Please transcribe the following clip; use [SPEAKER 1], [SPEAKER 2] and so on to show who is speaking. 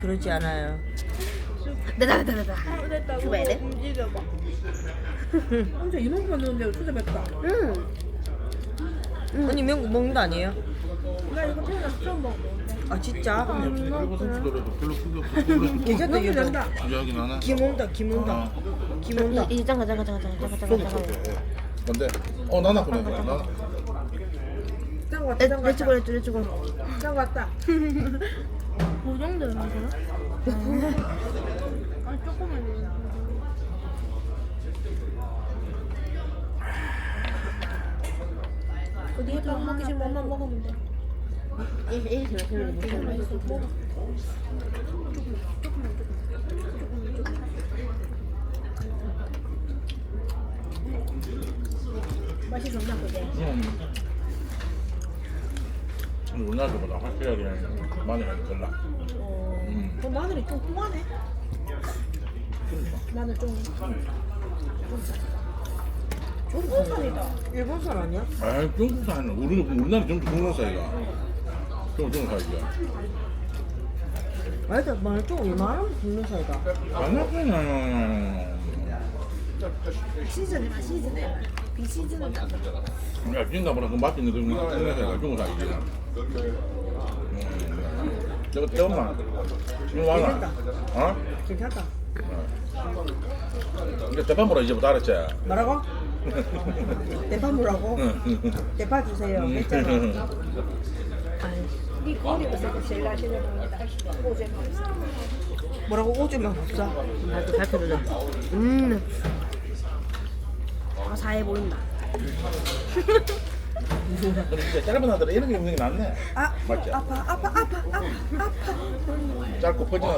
[SPEAKER 1] 그러지 않아요.
[SPEAKER 2] 됐다.
[SPEAKER 3] 됐다.
[SPEAKER 2] 줘봐야 돼?
[SPEAKER 3] 움직여봐. 혼자 이만큼만 넣는데 진짜 맵다.
[SPEAKER 1] 언니 먹는 거 아니에요?
[SPEAKER 3] 나 이거 태어나서 처음 먹어보는데.
[SPEAKER 1] 아 진짜?
[SPEAKER 4] 별로 손질해도 별로 크게 없어.
[SPEAKER 1] 괜찮다
[SPEAKER 3] 너무
[SPEAKER 1] 이거.
[SPEAKER 3] 된다.
[SPEAKER 4] 주저하긴 하나.
[SPEAKER 1] 김 온다 김 온다. 김 온다.
[SPEAKER 2] 이제 잠깐.
[SPEAKER 4] 근데 나나 그래 나.
[SPEAKER 3] 짠 거 같다. 짠 거 같다.
[SPEAKER 2] 렛츠고.
[SPEAKER 3] 짠 거 같다. 그 정도는 되나? 아 조금만 돼. 어디 밥 먹기 싫으면 엄마 먹으면 돼. 맛있어. 먹어. 맛이 좋나 보게.
[SPEAKER 4] 우리나라보다 확실하게 마늘 향이 덜 나.
[SPEAKER 3] 그 마늘이 좀 통하네. 마늘 좀. 중국산이다.
[SPEAKER 1] 일본산 아니야?
[SPEAKER 4] 아 중국산 우리나라 전부 중국산이가. 중국산이야.
[SPEAKER 1] 맞아 마늘 좀 이만하면 굽는 사이다.
[SPEAKER 4] 만나잖아.
[SPEAKER 3] 시즌에 맛 시즌에 비시즌은 안 돼.
[SPEAKER 4] 야 진짜 뭐라 그 맛있는 그 중국산이가 중국산이지. 저거 태엄마 이거 많아. 어?
[SPEAKER 1] 괜찮다.
[SPEAKER 4] 이제 대판보라 이제부터 알았지?
[SPEAKER 1] 뭐라고? 대파 뭐라고? 대파 주세요. 했잖아.
[SPEAKER 3] 네 거리가 있어도 제일 맛있는 겁니다. 오제
[SPEAKER 1] 뭐라고 오줌만 없어.
[SPEAKER 2] 나도 발표를 사해 보인다.
[SPEAKER 4] 근데 이제 짧은 아들은 이런 게 있는 게 낫네.
[SPEAKER 1] 아
[SPEAKER 4] 맞지?
[SPEAKER 1] 아파.
[SPEAKER 4] 짧고 퍼지는